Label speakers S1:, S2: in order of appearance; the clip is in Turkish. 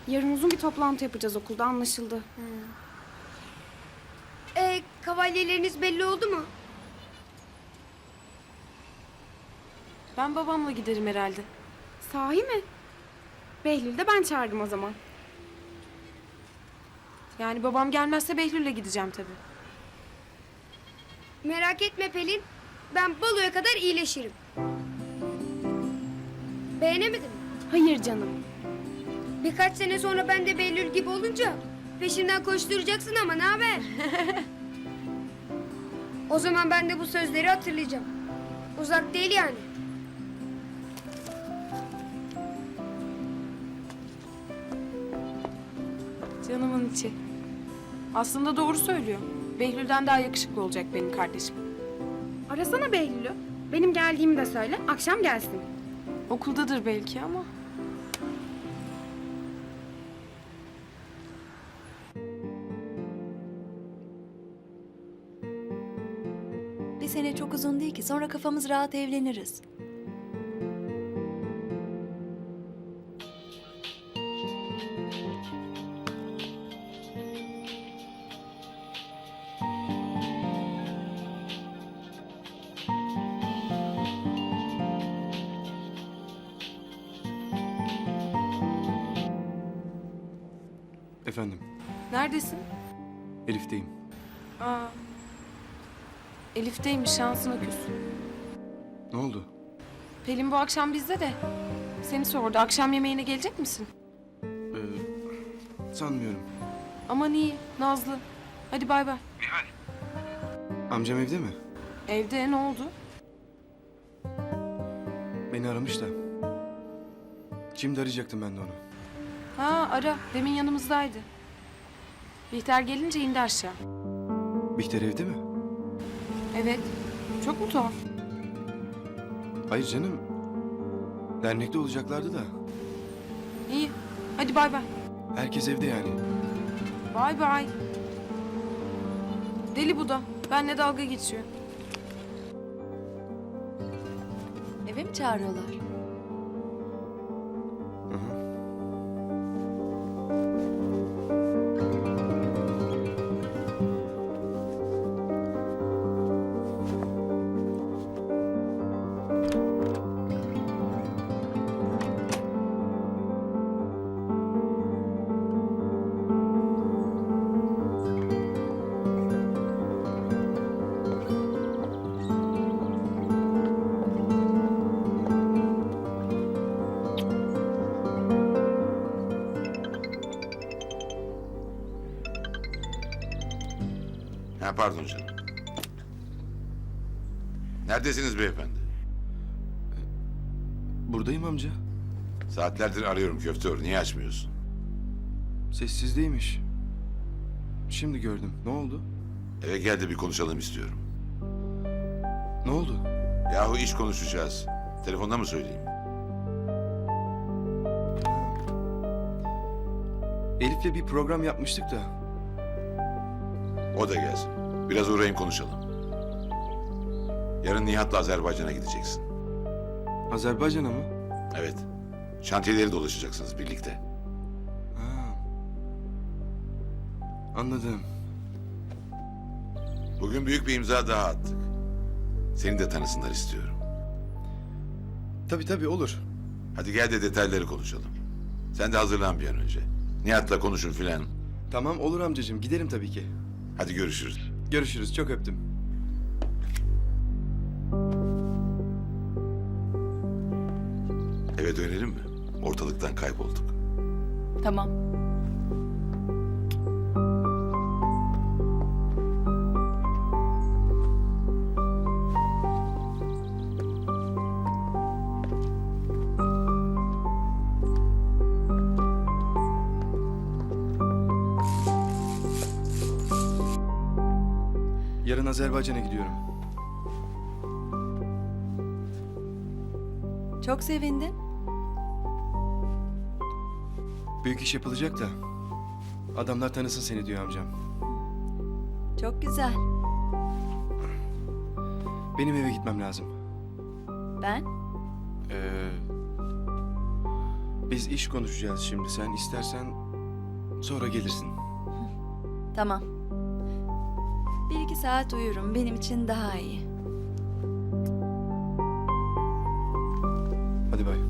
S1: Yarın uzun bir toplantı yapacağız okulda, anlaşıldı.
S2: Kavalyeleriniz belli oldu mu?
S3: Ben babamla giderim herhalde.
S1: Sahi mi? Behlül'ü de ben çağırdım o zaman.
S3: Yani babam gelmezse Behlül'le gideceğim tabii.
S2: Merak etme Pelin. Ben baloya kadar iyileşirim. Beğenemedin mi?
S1: Hayır canım.
S2: Birkaç sene sonra ben de Behlül gibi olunca peşinden koşturacaksın ama ne haber? O zaman ben de bu sözleri hatırlayacağım. Uzak değil yani.
S3: Canımın içi. Aslında doğru söylüyor. Behlül'den daha yakışıklı olacak benim kardeşim.
S1: Arasana Behlül'ü. Benim geldiğimi de söyle, akşam gelsin.
S3: Okuldadır belki ama.
S4: Bir sene çok uzun değil ki. Sonra kafamız rahat evleniriz.
S5: Efendim,
S3: Neredesin?
S5: Elif'teyim.
S3: Aa. Elif'teymiş, şansına küs.
S5: Ne oldu?
S3: Pelin bu akşam bizde de. Seni sordu. Akşam yemeğine gelecek misin?
S5: Sanmıyorum.
S3: Aman iyi, Nazlı. Hadi bay bay.
S5: Amcam evde mi?
S3: Evde ne oldu?
S5: Beni aramış da. Şimdi arayacaktım ben de onu.
S3: Ha ara. Demin yanımızdaydı. Bihter gelince indi aşağı.
S5: Bihter evde mi?
S3: Evet. Çok mu tuhaf?
S5: Hayır canım. Dernekte olacaklardı da.
S3: İyi. Hadi bay bay.
S5: Herkes evde yani.
S3: Bay bay. Deli bu da. Benle dalga geçiyor.
S4: Eve mi çağırıyorlar?
S5: Hı hı.
S6: Ha, pardon canım. Neredesiniz beyefendi?
S5: Buradayım amca.
S6: Saatlerdir arıyorum köftör. Niye açmıyorsun?
S5: Sessizdeymiş. Şimdi gördüm. Ne oldu?
S6: Eve gel de bir konuşalım istiyorum.
S5: Ne oldu?
S6: Yahu iş konuşacağız. Telefonda mı söyleyeyim?
S5: Elif'le bir program yapmıştık da.
S6: O da gelsin. Biraz uğrayın konuşalım. Yarın Nihat'la Azerbaycan'a gideceksin.
S5: Azerbaycan'a mı?
S6: Evet. Şantiyeleri dolaşacaksınız birlikte.
S5: Ha. Anladım.
S6: Bugün büyük bir imza daha attık. Seni de tanısınlar istiyorum.
S5: Tabii olur.
S6: Hadi gel de detayları konuşalım. Sen de hazırlan bir an önce. Nihat'la konuşun filan.
S5: Tamam olur amcacığım. Giderim tabii ki.
S6: Hadi görüşürüz.
S5: Görüşürüz. Çok öptüm.
S6: Eve dönelim mi? Ortalıktan kaybolduk.
S4: Tamam.
S5: Yarın Azerbaycan'a gidiyorum.
S4: Çok sevindim.
S5: Büyük iş yapılacak da. Adamlar tanısın seni diyor amcam.
S4: Çok güzel.
S5: Benim eve gitmem lazım.
S4: Ben?
S5: Biz iş konuşacağız şimdi. Sen istersen sonra gelirsin.
S4: Tamam. 1-2 saat uyurum. Benim için daha iyi.
S5: Hadi bay.